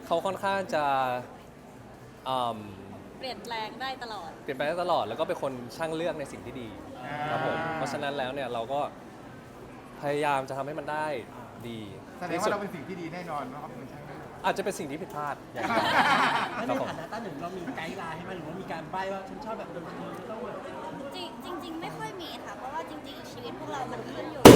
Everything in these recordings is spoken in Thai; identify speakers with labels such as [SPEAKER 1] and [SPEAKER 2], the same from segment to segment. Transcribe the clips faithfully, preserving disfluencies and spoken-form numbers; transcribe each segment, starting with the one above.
[SPEAKER 1] เขาค่อนข้างจะ
[SPEAKER 2] เปลี่ยนแปลงได้ตลอด
[SPEAKER 1] เปลี่ยนแปลงได้ตลอดแล้วก็เป็นคนช่างเลือกในสิ่งที่ดีครับผมเพราะฉะนั้นแล้วเนี่ยเราก็พยายามจะทำให้มันได้ดี
[SPEAKER 3] แสดงว่าเราเป็นสิ่งที่ดีแน่นอนว่าเขาเป็นช่างได้
[SPEAKER 1] อาจจะเป็นสิ่งที่ผิดพลาดอย่างเดียว
[SPEAKER 4] แล้วในฐานะต้าหนึ่งเรามีไกด์ไลน์ให้มันหรือว่ามีการใบ้ว่าฉันชอบแบบดนตรีต้องแบบ
[SPEAKER 2] จริงจริงๆไม่ค่อยมีค่ะเพราะว่าจริงๆชีวิตพวกเรามันขึ้นอยู่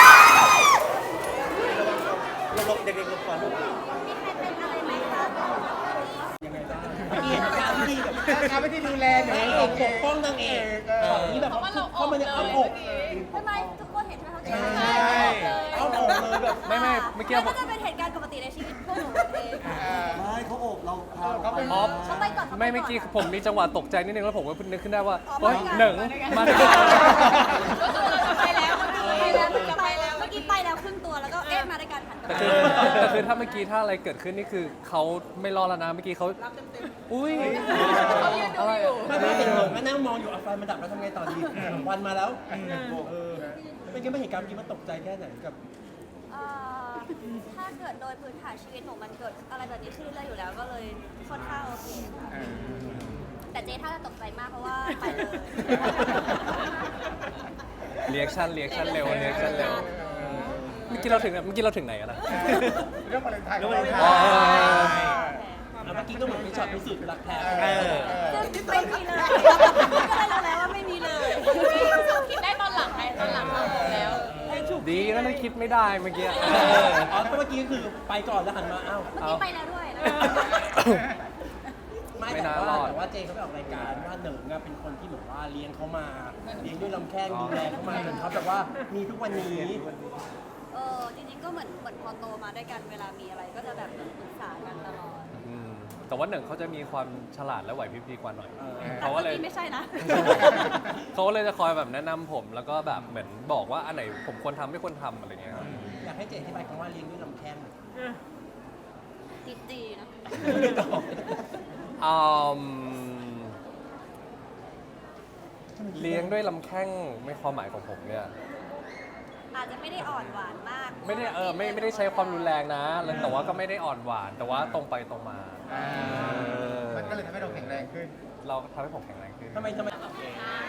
[SPEAKER 4] เราลบเด็กๆลบก่อนลูก
[SPEAKER 2] มีใครเป็นอะไรไหมคะ
[SPEAKER 4] ยังไงบ้างเกียรติการที่แบบ
[SPEAKER 3] การไม่ที่ดูแลหนู
[SPEAKER 4] นางเอกปกป้องนางเอกฝั่งนี้แบบเข้ามาในอ้อมอก
[SPEAKER 2] ทำไมทุกคนเห็นใช่ไหมเขา
[SPEAKER 4] ใช่อ้อมอกเลยแบบ
[SPEAKER 1] ไม่ไม่เมื่อกี้
[SPEAKER 2] ก็จะเป็นเหตุการณ์ปกติในชีวิตพวกหนูเอง
[SPEAKER 4] ไม่เขาโอบเราพา
[SPEAKER 3] เขาเป็น
[SPEAKER 1] ออฟ
[SPEAKER 2] เขาไปก่อนเขาป
[SPEAKER 1] ไม่เมื่อกี้ผมมีจังหวะตกใจนิดนึงแล้วผมก็นึกขึ้นได้ว่า
[SPEAKER 2] อ๋อ
[SPEAKER 1] เฮ้ย
[SPEAKER 2] มาด้วยกัน
[SPEAKER 1] หนึ่งมาด้วยกัน
[SPEAKER 2] ก็คือเราจะไปแล้วไปแล้วจะไปแล้วเมื่อกี้ไปแล้วครึ่งตัวแล้วก็เอ๊ะมาด้วยกันหันกลับ
[SPEAKER 1] แต่
[SPEAKER 2] มา
[SPEAKER 1] คือแต่คือถ้าเมื่อกี้ถ้าอะไรเกิดขึ้นนี่คือเขาไม่รอดแล้วนะเมื่อกี้เขาอุ้ยอะไรอะ
[SPEAKER 4] ไม่ไม่เด็กหลงก็นั่งมองอยู่เอาไฟมันดับแล้วทำไงต่อดีวันมาแล้วเออเป็นยังไงเหตุการณ์เมื่อกี้มันตกใจแค่ไหนกับ
[SPEAKER 2] เอ่อถ้าเกิดโดยพื้นฐานชีวิตหนูมันเกิดอะไรแบบนี้ขึ้นเรื่อยๆอยู่แล้วก็เลยค่อนข้างโอเคค่ะแต่เจ๊ถ้าจะตกใจมากเพราะว่าไปเลย
[SPEAKER 1] เรีแอคชั่นเรีแอคชั่นเร็วเรีแอคชั่นเร็วเมื่อกี้เราถึงเมื่อกี้เราถึงไหนกันนะ
[SPEAKER 3] เรื่องวาเลนไทน์
[SPEAKER 4] เรื่องวาเลนไทน์
[SPEAKER 1] อ๋อ
[SPEAKER 4] เมื่อกี้ก็เหมือนเป็นช็อตพิสูจน์รักแท้
[SPEAKER 2] ซึ่งไม่มีเลยก็เลยรู้แล้วว่าไม่มีเลยคิดได้ตอนหลังไงตอนหลังเราแล้ว
[SPEAKER 1] ดีนะที่คิดไม่ได้เมื่อกี้
[SPEAKER 4] อ๋อเมื่อกี้คือไปก่อนแล้วหันมาอ้าว
[SPEAKER 2] เมื่อกี้ไปแล้วด้วยนะ
[SPEAKER 4] ไม่แต่ว่าแต่ว่าเจเขาไปออกรายการว่าหนึ่งอะเป็นคนที่แบบว่าเลี้ยงเขามาเลี้ยงด้วยลำแข้งดูแลเขามาจนเขาแบบว่ามีทุกวันนี้
[SPEAKER 2] เออจริงๆก็เหมือนเหมือนพอโตมาด้วยกันเวลามีอะไรก็จะแบบปรึกษากันตลอด
[SPEAKER 1] อืมแต่ว่าหนึ่งเขาจะมีความฉลาดและไหวพริบดีกว่าหน่อย
[SPEAKER 4] เออ
[SPEAKER 2] แต่
[SPEAKER 1] เขา
[SPEAKER 2] เมื่
[SPEAKER 1] ก็
[SPEAKER 2] อ
[SPEAKER 1] เลย
[SPEAKER 2] กี้ไม่ใช่นะ
[SPEAKER 1] เขาก็เลยจะคอยแบบแนะนำผมแล้วก็แบบเหมือนบอกว่าอันไหนผมควรทำไม่ควรทำอะไรเงี้ยครับ
[SPEAKER 4] อยากให้เจอธิบายคำว่าเลี้ยงด้วยลำแข้ง
[SPEAKER 2] ตีตีๆนะ
[SPEAKER 1] อืมเลี้ยงด้วยลำแข้งไม่ความหมายของผมเนี่ย
[SPEAKER 2] อาจจะไม่ได้อ่อนหวานมาก
[SPEAKER 1] ไม่ได้เออไม่ไม่ได้ใช้ความรุนแรงนะแล้วแต่ว่าก็ไม่ได้อ่อนหวาน แต่ว่าตรงไปตรงมา
[SPEAKER 3] มันก็เลยทำให้เราแข็งแรงขึ้น
[SPEAKER 1] เราทำให้ผมแข็งแรงขึ้น
[SPEAKER 4] ทำไมทำไม